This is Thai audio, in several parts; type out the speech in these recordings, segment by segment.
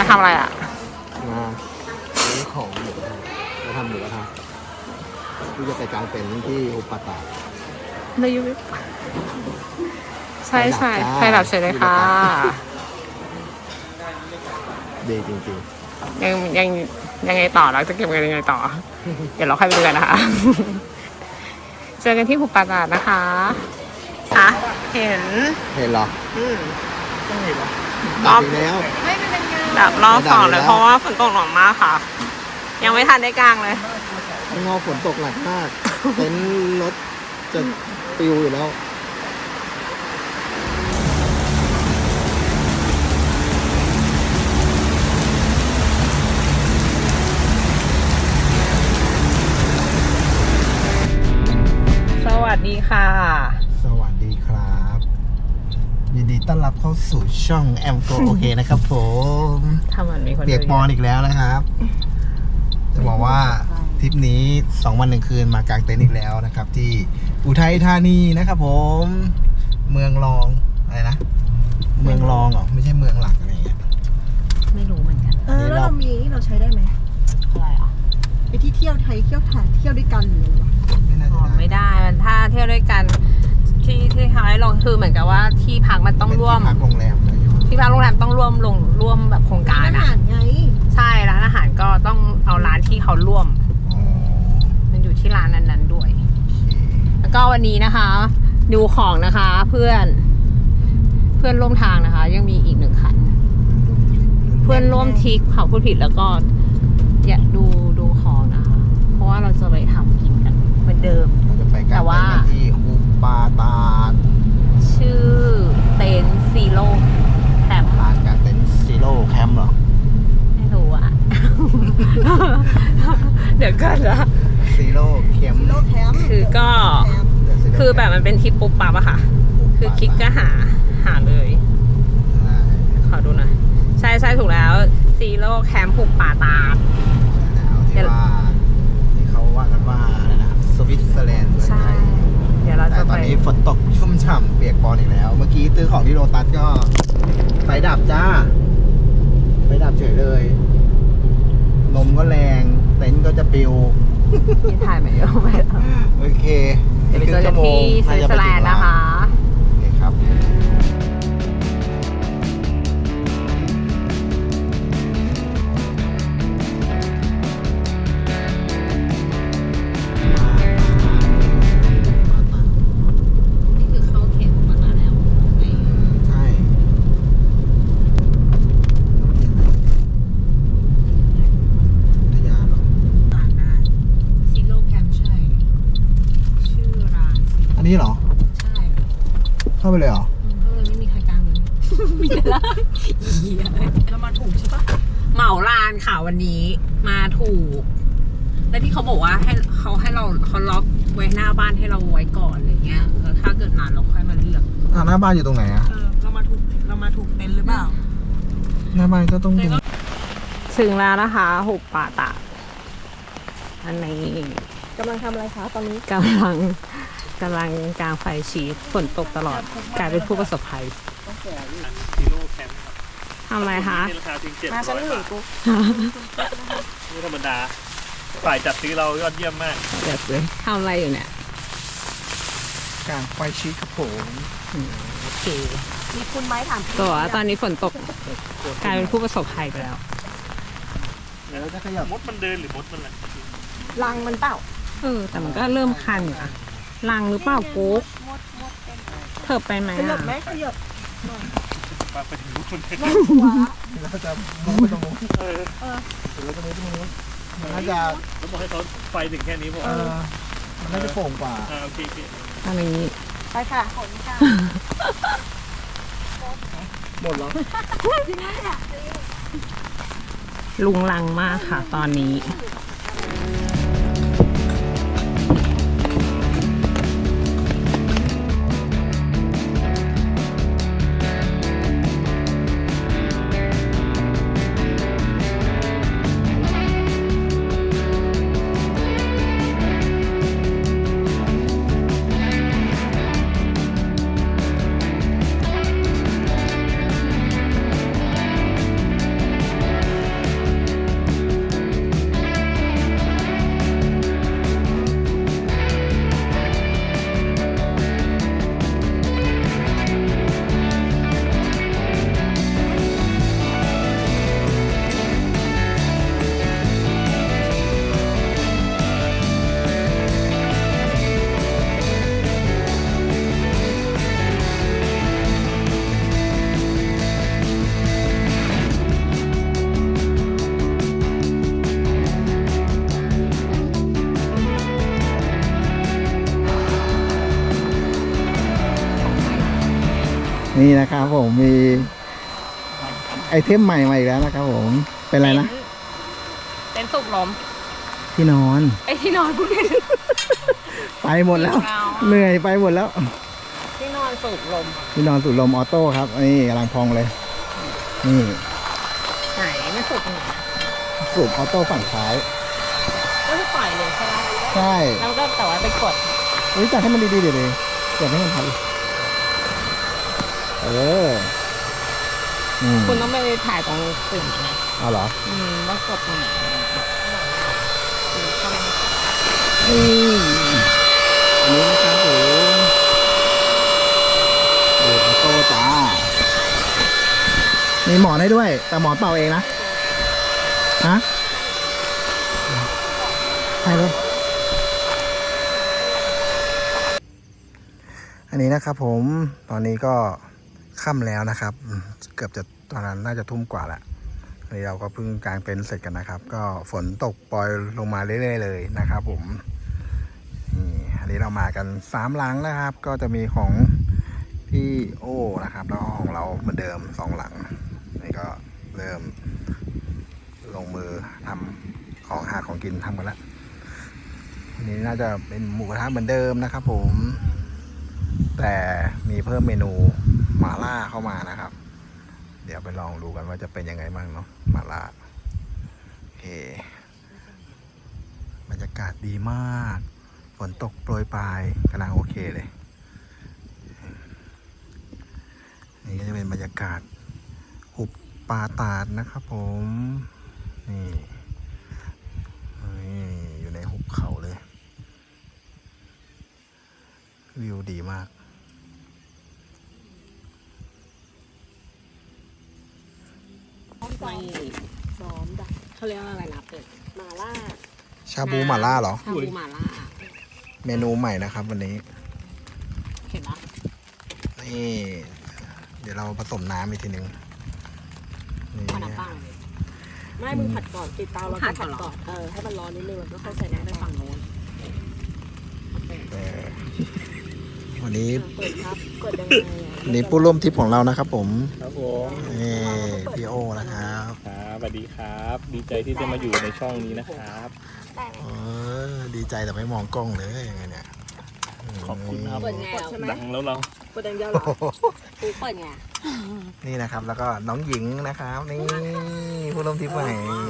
ทำอะไรอ่ะมาซื้อของหมูกระทะมาทำหมูกระทะที่จะไปกางเต็นท์ที่อุปตาในยูวิใช่ใช่ไฟดับเฉยเลยค่ะดีจริงๆยังไงต่อเราจะเก็บเงินยังไงต่อ เดี๋ยวเราค่อยไปดูกันนะคะ เจอกันที่หุบป่าตาดนะคะคะเห็นเหรอต้องเห็นเหรอดับแล้วดับรอบสองเลยเพราะว่าฝนตกหนักมากค่ะ ยังไม่ทันได้กลางเลยงอฝนตกหนักมากเต็นท์รถจะปิวอยู่แล้วสวัสดีค่ะสวัสดีครับยินดีต้อนรับเข้าสู่ช่องแอมโกโอเคนะครับผมทำมันมีคนเปียกปอนอีกแล้วนะครับจะบอกว่าทริปนี้2 วัน 1 คืนมากางเต็นท์อีกแล้วนะครับที่อุทัยธานีนะครับผมเมืองรองอะไรนะเมืองรองเหรอไม่ใช่เมืองหลักอะไรอย่างเงี้ยไม่รู้เหมือนกันแล้วเรามีเราใช้ได้ไหมอะไรอ่ะไปที่เที่ยวไทยเที่ยวถ่ายเที่ยวด้วยกันหรืออะไรไม่ได้มันถ้าเที่ยวด้วยกันที่เขาให้ลงคือเหมือนกับว่าที่พักมันต้องร่วมที่พักโรงแรมที่พักโรงแรมต้องร่วมแบบโครงการอาหารไงใช่ร้านอาหารก็ต้องเอาร้านที่เขาร่วมมันอยู่ที่ร้านนั้นๆด้วยแล้วก็วันนี้นะคะดูของนะคะเพื่อนร่วมทางนะคะยังมีอีก1 คันเพื่อนร่วมทริปเขาพูดผิดแล้วก็อย่าดูของนะคะเพราะว่าเราจะไปทำกินกันเหมือนเดิมเราจะไปกันที่อุปตาดชื่อเต็นท์ซีโร่แคมป์ร้านกางเต็นท์ซีโร่แคมป์เหรอไม่รู้อ่ะ เดี๋ยวก่อนนะซีโร่แคมป์คือก็คือแบบมันเป็นทริปปุ๊บปั๊บอะค่ะคือคลิกก็หาเลยขอดูหน่อยใช่ถูกแล้วซีโร่แคมป์หุบป่าตาดที่เขาว่ากันว่าอะไรนะสวิตเซอร์แลนด์ใช่เดี๋ยวเราจะไปตอนนี้ฝนตกชุ่มฉ่ำเปียกปอนอีกแล้วเมื่อกี้ซื้อของที่โลตัสก็ไฟดับจ้าไฟดับเฉยเลยลมก็แรงเต็นท์ก็จะปิวที่ถ่ายมาเยอะไปแล้วโอเคเดี๋ยวไปเจอกันที่สวิตเซอร์แลนด์นะคะโอเคครับนี่เหรอใช่เข้าไปเลยเหรอไม่มีใครกลางเลยมีแต่ละเรามาถูกใช่ปะเหมาลานค่ะวันนี้มาถูกแล้วที่เขาบอกว่าให้เขาล็อกไว้หน้าบ้านให้เราไว้ก่อนอะไรเงี้ยแล้วถ้าเกิดนานเราค่อยมาเลือกหน้าบ้านอยู่ตรงไหนอ่ะเรามาถูกเต็นท์หรือเปล่าหน้าบ้านก็ต้องถึงแล้วนะคะหุบป่าตาดอันนี้กำลังทำอะไรคะตอนนี้กำลังกลางไฟชีสฝนตกตลอดกลายเป็นผู้ประสบภัยซีโร่แคมป์ทำอะไรคะราคาเพียง700 บาทไม่ธรรมดาฝ่ายจัดซื้อเรายอดเยี่ยมมากเดี๋ยวเลยทำอะไรอยู่เนี่ยกลางไฟชีสครับผมโอเคมีคุณไม้ถามตัวตอนนี้ฝนตกกลายเป็นผู้ประสบภัยไปแล้วแล้วจะขยับมดมันเดินหรือมดมันอะไรรังมันเปล่าแต่มันก็เริ่มคันอยู่อะลังหรือเปล่ากุ๊กเถิบไปไหมขยับไหมขยับไปถึงลูกคนแล้วจะมุ้งไปตรงนู้นแล้วจะมุ้งไปตรงนู้นมันน่าจะแล้วบอกให้เขาไฟถึงแค่นี้ผมมันน่าจะโป่งกว่าโอเคอะไรนี้ไปค่ะขนค่ะหมดแล้วจริงไหมเนี่ยลุงลังมากค่ะตอนนี้นี่นะครับผมมีไอเทมใหม่มาอีกแล้วนะครับผมเป็นอะไรนะเต็นท์สูบลมที่นอนไอ้ที่นอนพูดผิดไปหมดแล้วเอาเหนื่อยไปหมดแล้วที่นอนสูบลมที่นอนสูดลมออโต้ครับนี่กำลังพองเลยนี่ไหนไม่สูบตรงไหนนะสูบออโต้ฝั่งซ้ายก็คือปล่อยเลยใช่ไหมใช่แล้วก็แต่ว่าไปกดจัดให้มันดีๆเดี๋ยวเลยจัดให้มันทันอืมคุณต้องไปถ่ายตรงปุ่มนะเอาเหรอว่ากดตรงไหนนี่อันนี้นะครับผมดูออโต้จ้ามีหมอนให้ด้วย แต่หมอนเป่าเองนะฮะใช่เลยอันนี้นะครับผมตอนนี้ก็ค่ำแล้วนะครับเกือบจะตอนนั้นน่าจะทุ่มกว่าแล้วอันนี้เราก็เพิ่งกางเต็นท์เสร็จกันนะครับ ก็ฝนตกปล่อยลงมาเรื่อยๆเลยนะครับผมนี่อันนี้เรามากัน3หลังนะครับ ก็จะมีของพี่โอ้นะครับแล้วก็ของเราเหมือนเดิม2หลังนี่ก็เริ่มลงมือทำของหาของกินทำกันแล้วอันนี้น่าจะเป็นหมูกระทะเหมือนเดิมนะครับผมแต่มีเพิ่มเมนูหม่าล่าเข้ามานะครับเดี๋ยวไปลองดูกันว่าจะเป็นยังไงบ้างเนาะหม่าล่าโอเคบรรยากาศดีมากฝนตกโปรยปลายกำลังโอเคเลยนี่ก็จะเป็นบรรยากาศหุบป่าตาดนะครับผมนี่อยู่ในหุบเขาเลยวิวดีมากไม่ซ้อมจ้ะเขาเรียกว่าอะไรนะเป็ดมาล่าชาบูหม่าล่าเหรอชาบูหม่าล่าเมนูใหม่นะครับวันนี้เห็นปะนี่ เดี๋ยวเราผสมน้ำอีกทีหนึ่งนี่ขนาดปังไม่มึงผัดก่อนติดเตาแล้วก็ผัดก่อนให้มันร้อนนิดนึงแล้วก็ค่อยใส่น้ำไปไปฝั่งโน้นวันนี้เปิดครับเปิดยังไงวันนี้ผู้ร่วมทริปของเรานะครับผมครับผมนี่พี่โอนะครับครับสวัสดีครับ ดีใจที่ได้มาอยู่ในช่องนี้นะครับดีใจแต่ไม่มองกล้องเลยยังไงเนี่ยขอบคุณครับเปิดไงใช่ไหมดังแล้วเราเปิดอย่างเดียวเหรอกูเปิดไงนี่นะครับ แล้วก็น้องหญิงนะครับ นี่ผู้ร่วมทริปใหม่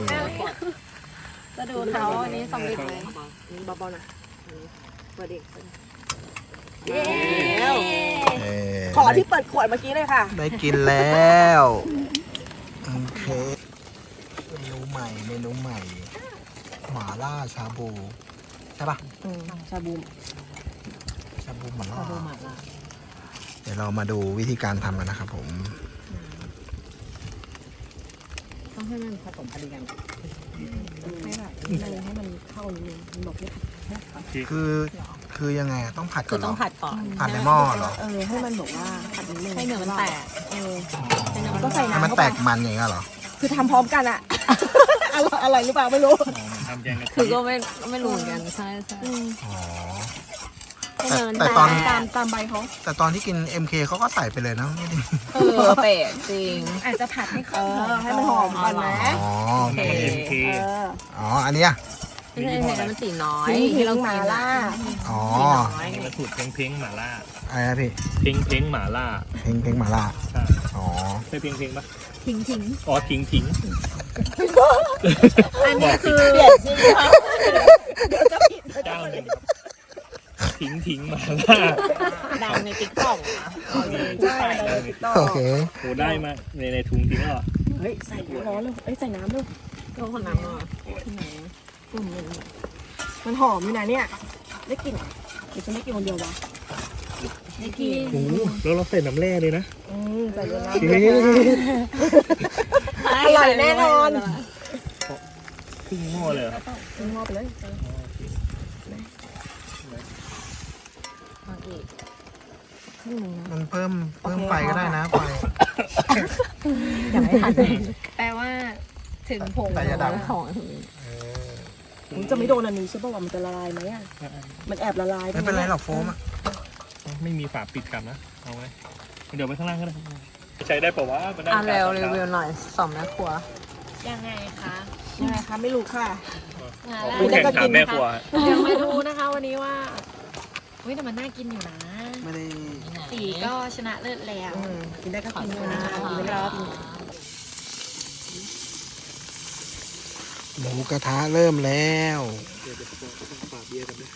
จะดูเขาอันนี้สำเร็จไหมเบาๆนะเปิดอีกเย้เอ่อขอที่เปิดขวดเมื่อกี้เลยค่ะได้กินแล้วโอเคเมนูใหม่หม่าล่าชาบูใช่ปะชาบูชาบูหม่าล่าชาบูหม่าล่าเดี๋ยวเรามาดูวิธีการทำกันนะครับผมต้องให้มันผสมพอดีกันให้แบบให้มันเข้านิดนึงมันบอกเนี่ยคือยังไงอะต้องผัดคืก่ออนเหรต้อองผัดก่อนผัดในหม้อเหรอให้มันบอกว่าผัดนิดนึงให้เนื้อมันแตก ให้เนื้อมันก็ใส่ให้น้ำมันเข้าแตไปกมันอย่างเงี้ยเหรอคือทำพร้อมกันอะอร่อยหรือเปล่าไม่รู้ทำแกงกะทิคือก็ไม่รู้เหมือนกันใช่อ๋อให้เนินแต่ตอนตามใบเขาแต่ตอนที่กิน MK เขาก็ใส่ไปเลยนะไม่ได้เป็ดจริงอาจจะผัดให้เขาให้มันหอมก่อนนะอ๋อโอเค MK อ๋ออันเนี้ยไม่ใช่เห็นแล้วมันสีน้อยที่เรามาล่าอ๋ออันนี้มาสูตรเพ้งหม่าล่าอะไรนะพี่เพ้งหม่าล่าเพลงหม่าล่าใช่อ๋อใช่เพ้งปะทิ้งอ๋อทิ้งอันนี้คือเปลี่ยนชื่อเขาเดี๋ยวจะผิดเจ้าหนึ่งครับทิ้งหม่าล่าดังในติ๊กต็อกใช่เลยต่อโอเคโหได้มาในถุงทิ้งแล้วเหรอเฮ้ยใส่น้ำร้อนเลยใส่น้ำเลยก็คนน้ำอ่ะมันหอมอยู่นะเนี่ยได้กลิ่นหรือจะไม่กินคนเดียววะไม่กินโอ้แล้วเราใส่น้ำแร่เลยนะใส่เยอะนะเอ๊ะอร่อยแน่นอนครึ่งหม้อเลยเหรอครับงอไปเลยมันเพิ่มไฟก็ได้นะไฟอย่าให้ทันแปลว่าถึงผงแต่อย่าดับของผมจะไม่โดนอันนี้ใช่ป่าวว่ามันจะละลายไหมอ่ะมันแอบละลายไม่เป็นไรหรอกโฟมอ่ะไม่มีฝาปิดกลับนะ เอาไว้เดี๋ยวไปข้างล่างก็ได้ใช้ได้ปะวะมันได้เร็วรีวิวหน่อยสองแม่ครัวยังไงคะยังไงคะไม่รู้ค่ะผู้แข่งถามแม่ครัวเดี๋ยวมาดูนะคะวันนี้ว่าเฮ้ยแต่มันน่ากินอยู่นะไม่ได้สีก็ชนะเลิศแล้วกินได้ก็กินนะคะกินได้ก็กินหมูกระทะเริ่มแล้วเดี๋ยวจะฝากเบียร์กันด้วย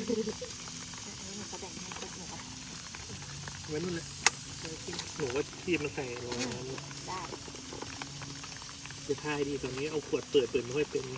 ไว้นู่นเลยหนูว่าที่มันใส่ลงน้ำได้จะทายดีตอนนี้เอาขวดเปิดไม่ค่อยเป็น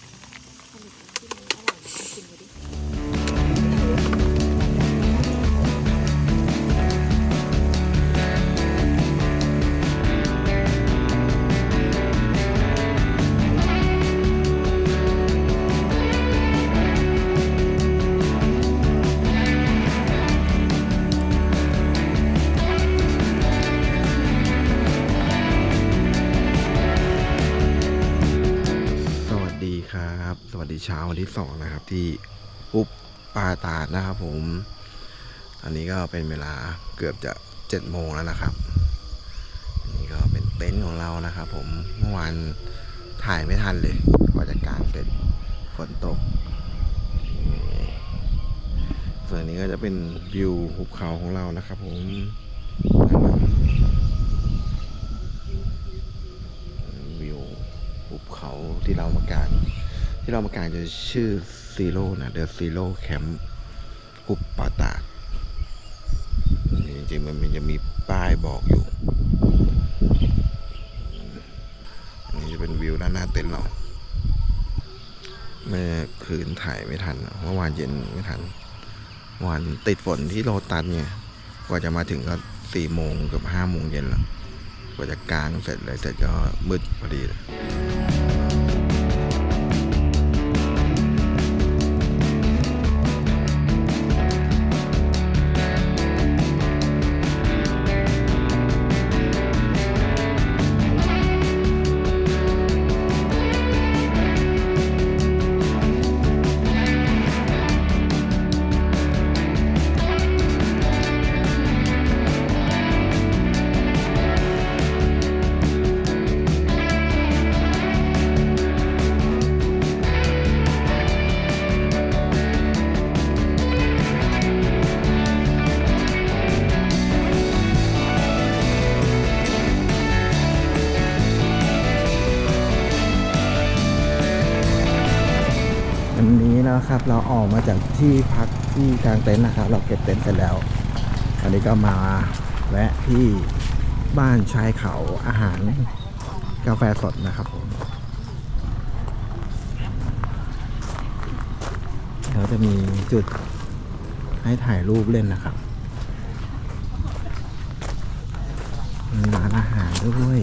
สวัสดีครับ สวัสดีเช้าวันที่2นะครับ ที่อุปปาตาดนะครับผมตอนนี้ก็เป็นเวลาเกือบจะ7 โมงแล้วนะครับอันนี้ก็เป็นเต็นท์ของเรานะครับผมเมื่อวานถ่ายไม่ทันเลยกว่าจะกางเสร็จฝนตกนี่ส่วนนี้ก็จะเป็นวิวหุบเขาของเรานะครับผมวิวหุบเขาที่เรามากางจะชื่อซีโร่นะเดอะซีโร่แคมป์อุปปาตาดจริงๆมันจะมีป้ายบอกอยู่อันนี้จะเป็นวิวด้านหน้าเต็นท์เราเมื่อคืนถ่ายไม่ทันเมื่อวานเย็นไม่ทันเมื่อวานติดฝนที่โลตัสเนี่ยกว่าจะมาถึงก็4 โมงเกือบ5 โมงเย็นแล้วกว่าจะกางเสร็จเลยเสร็จก็มืดพอดีเลยวันนี้นะครับเราออกมาจากที่พักที่กลางเต็นท์นะครับเราเก็บเต็นท์เสร็จแล้วตอนนี้ก็มาแวะที่บ้านชายเขาอาหารกาแฟสดนะครับผมเราจะมีจุดให้ถ่ายรูปเล่นนะครับมีร้านอาหารด้วย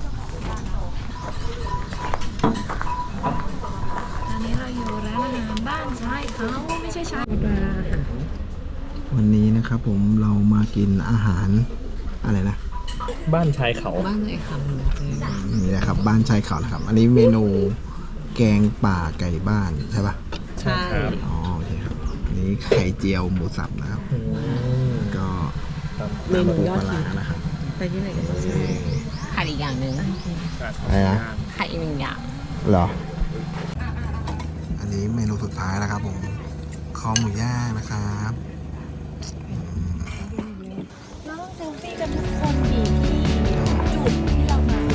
ตอนนี้เราอยู่ร้านอาหารบ้านชายเขาไม่ใช่ชายวันนี้นะครับผมเรามากินอาหารอะไรนะบ้านชายเขาบ้านไหนคะนี่นะครับบ้านชายเขานะครับ อันนี้เมนูแกงป่าไก่บ้านใช่ปะใช่ครับอ๋อโอเคครับอันนี้ไข่เจียวหมูสับนะครับก็น้ำปูปลาร้านะครับไปที่ไหนกันขาดอีกอย่างหนึ่งอะไรนะขาดอีกหนึ่งอย่างเหรอ อันนี้เมนูสุดท้ายนะครับผมคอหมูย่างนะครับเราต้องเซลฟี่กันทุกคนดีที่จุดที่เรามา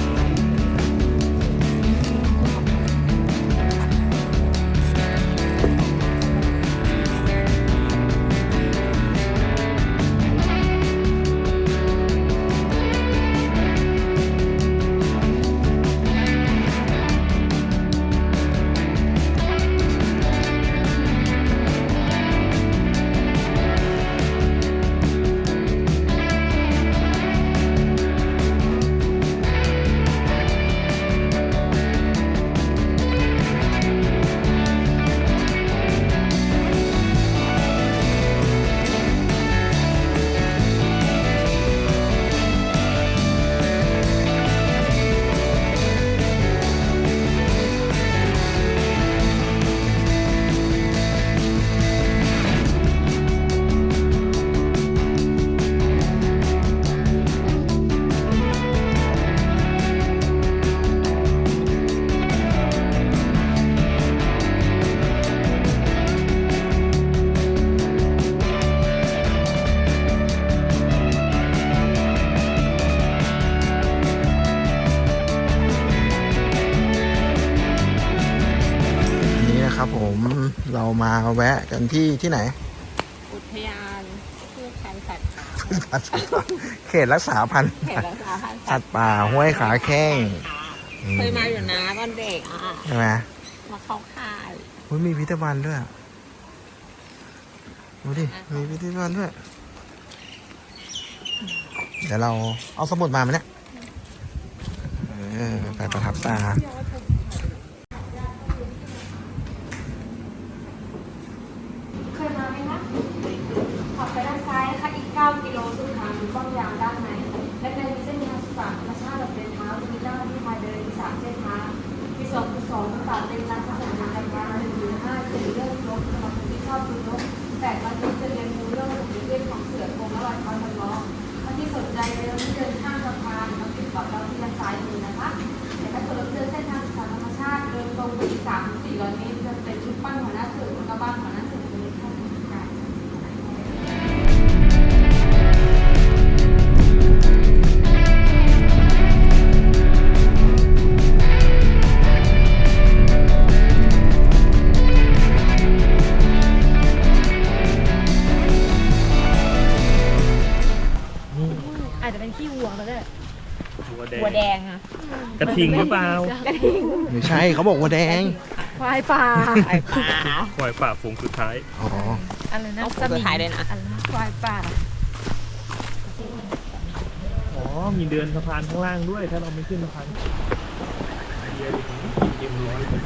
มาแวะกันที่ไหนอุทยานพืชพันธุ์สัตว์ป่าเขตรักษาพันธุ์เขตรักษาพันธุ์สัตว์ป่าห้วยขาแข้งเคยมาอยู่นะตอนเด็กใช่ไหมมาเข้าค่ายอุ๊ยมีพิพิธภัณฑ์ด้วยดูดิมีพิพิธภัณฑ์ด้วยเดี๋ยวเราเอาสมุดมาไหมเนี่ยไปประทับตาเคยมาไหมคะขับไปด้านซ้ายนะคะอีก 9 กิโลซึ่งทางป้อมยามด้านในและในเส้นทางสุขธรรมชาติแบบเดินเท้าจะมีเจ้าหน้าที่พาเดินมี3 เส้นทางมี2 คือ 2ต่างๆเป็นร้านขนมทางการค้า1 ถึง 5 7 เรื่องรถสำหรับคนที่ชอบดูรถ8 วันนี้จะเรียนรู้เรื่องของเรื่องของเสือโคร่งและรอยเท้าจำลองถ้าที่สนใจเดินที่เดินข้ามสะพานมาติดต่อเราที่ด้านซ้ายมือนะคะแต่ถ้าเกิดเราเดินเส้นทางศึกษาธรรมชาติเดินตรงไปอีก3-400 เมตรจะเป็นชุดปั้นหัวหน้าเสือแล้วก็บ้านหัวหน้าเสือเป็นข้อมูลการอาจจะเป็นขี้วัวก็ได้วัวแดงวัวแดงอะกระทิงหรือเปล่าไม่ใช่เขาบอกว่าแดงควายป่าควายป่าควายป่าฝูงสุดท้ายอ๋ออะไรนะต้องจะถ่ายเลยนะควายป่าอ๋อ มีเดินสะพานข้างล่างด้วย ถ้าเราไม่ขึ้นสะพานเต็มร้อยเลย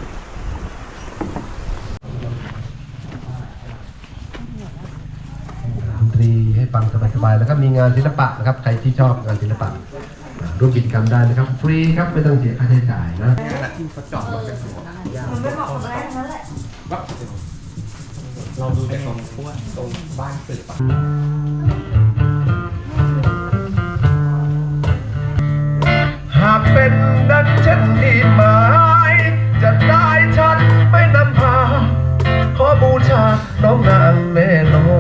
ดนตรีให้ฟังสบายๆแล้วก็มีงานศิลปะนะครับใครที่ชอบงานศิลปะร่วมกิจกรรมได้นะครับฟรีครับไม่ต้องเสียค่าใช้จ่ายนะมันไม่เหมาะกับแรกนั่นแหละเราดูในตรงบ้านสื่อปะหากเป็นดังเช่นที่หมายจะได้ฉันไม่นำพาขอบูชาน้องนางแม่นง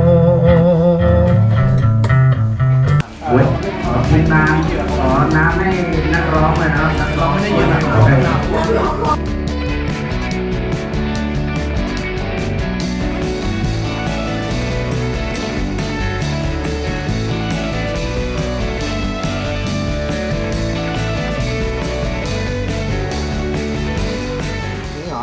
เป็นน้ำขอน้ำให้นักร้องเลยนะนักร้องไม่ได้ยินหรอกนี่เหรอ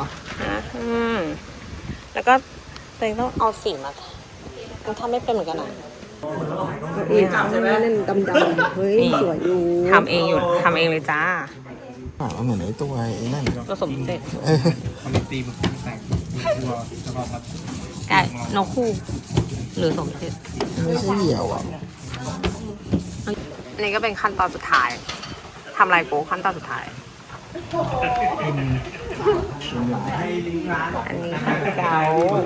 แล้วก็เต็งต้องเอาสีมามันทำไม่เป็นเหมือนกันนะนี่ค่ะเล่นดำๆเฮ้ยสวยอยู่ทำเองอยู่ทำเองเลยจ้าเหมือนไอ้ตัวไอ้นั่นผสมเสร็จมันตีมันแต่งตัวจะมาไก่นกคู่หรือสมเสร็จไม่ใช่เหี่ยวอ่ะอันนี้ก็เป็นขั้นตอนสุดท้ายทำอะไรกูขั้นตอนสุดท้าย อันนี้เกา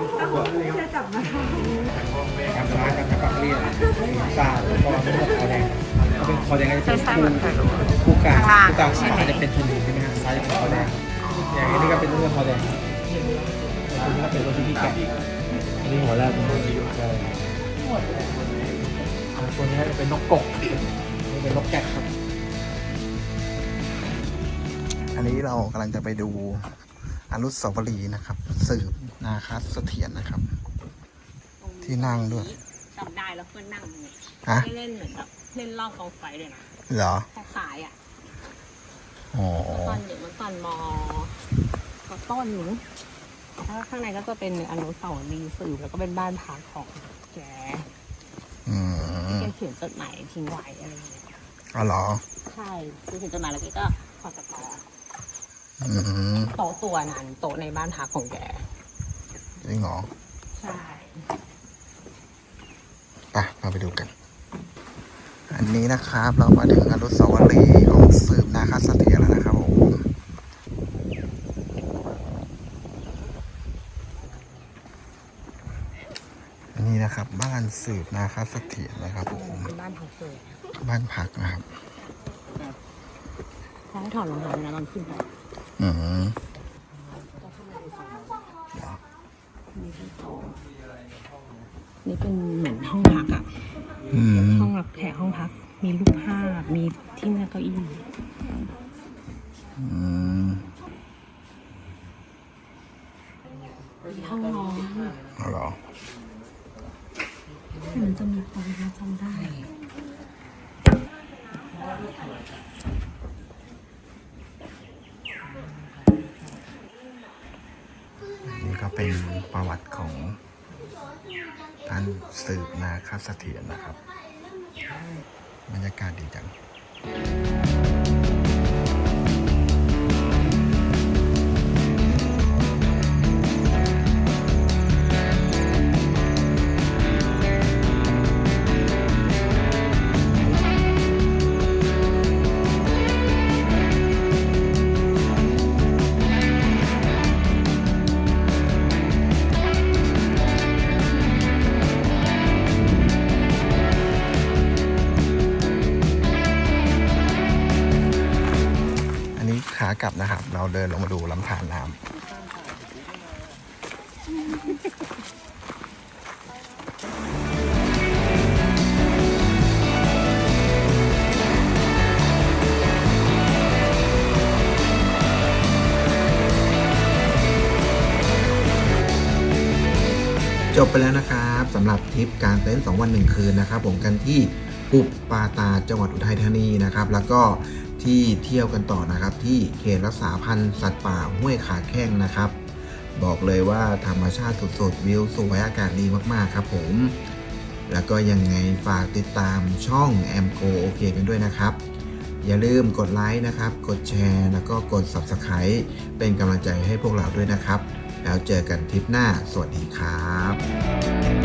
การร้านการปักเรียนตาแล้วก็คอแดงเขาเป็นคอแดงก็จะเป็นคู่กลางขวาจะเป็นชนีใช่ไหมฮะซ้ายจะเป็นคอแดงอย่างนี้ก็เป็นเรื่องคอแดงอันนี้ก็เป็นรถที่แกะอันนี้หัวแรกเป็นรถที่อยู่ใช่ตัวนี้จะเป็นนกกกนี่เป็นนกแกะครับอันนี้เรากำลังจะไปดูอนุสาวรีย์นะครับสืบนาคเสถียรนะครับ ที่นั่งด้วยจำได้แล้วเพื่อนนั่งเนี่ยฮะเล่นเหมือนแบบเล่นรอบกองไฟเลยนะเหรอคล้ายๆอ่ะอ๋อตอนเด็กมันตอนมต้นหนูแล้วข้างในก็จะเป็นอนุสาวรีย์สืบแล้วก็เป็นบ้านพักของแกอืมแกเขียนจดหมายทิ้งไว้อะไรอย่างเงี้ยอ๋อเหรอใช่คือเขียนจดหมายแล้วแกก็ขอตัดต่ออืมโต๊ะตัวนั้นโต๊ะในบ้านพักของแกจริงเหรอใช่มาไปดูกัน อันนี้นะครับ เรามาถึงอนุสาวรีย์ของสืบนาคเสถียรแล้วนะครับผมอันนี้นะครับ บ้านสืบนาคเสถียรนะครับผมเป็นบ้านพักเลยบ้านพักนะครับเขาให้ถอดรองเท้านะตอนขึ้นไปอืมนี่เป็นเหมือนห้องพักอ่ะอืมห้องรับแขกห้องพัก มีรูปภาพ มีที่นั่งเก้าอี้อืมมีห้องนอนมันจะมีความน่าจำได้นี่ก็เป็นประวัติของท่านสืบนาคเสถียรนะครับบรรยากาศดีจัง อันนี้ขากลับนะครับ เราเดินลงมาดูลำธารน้ำ จบไปแล้วนะครับสำหรับทริปการเต้น2 วัน 1 คืนนะครับผมกันที่ปุบปาตาจังหวัดอุทัยธานีนะครับแล้วก็ที่เที่ยวกันต่อนะครับที่เขตรักษาพันธุ์สัตว์ป่าห้วยขาแข้งนะครับบอกเลยว่าธรรมชาติสดๆวิวสวยอากาศดีมากๆครับผมแล้วก็ยังไงฝากติดตามช่องแอมโกโอเคกันด้วยนะครับอย่าลืมกดไลค์นะครับกดแชร์แล้วก็กด Subscribe เป็นกำลังใจให้พวกเราด้วยนะครับแล้วเจอกันทริปหน้าสวัสดีครับ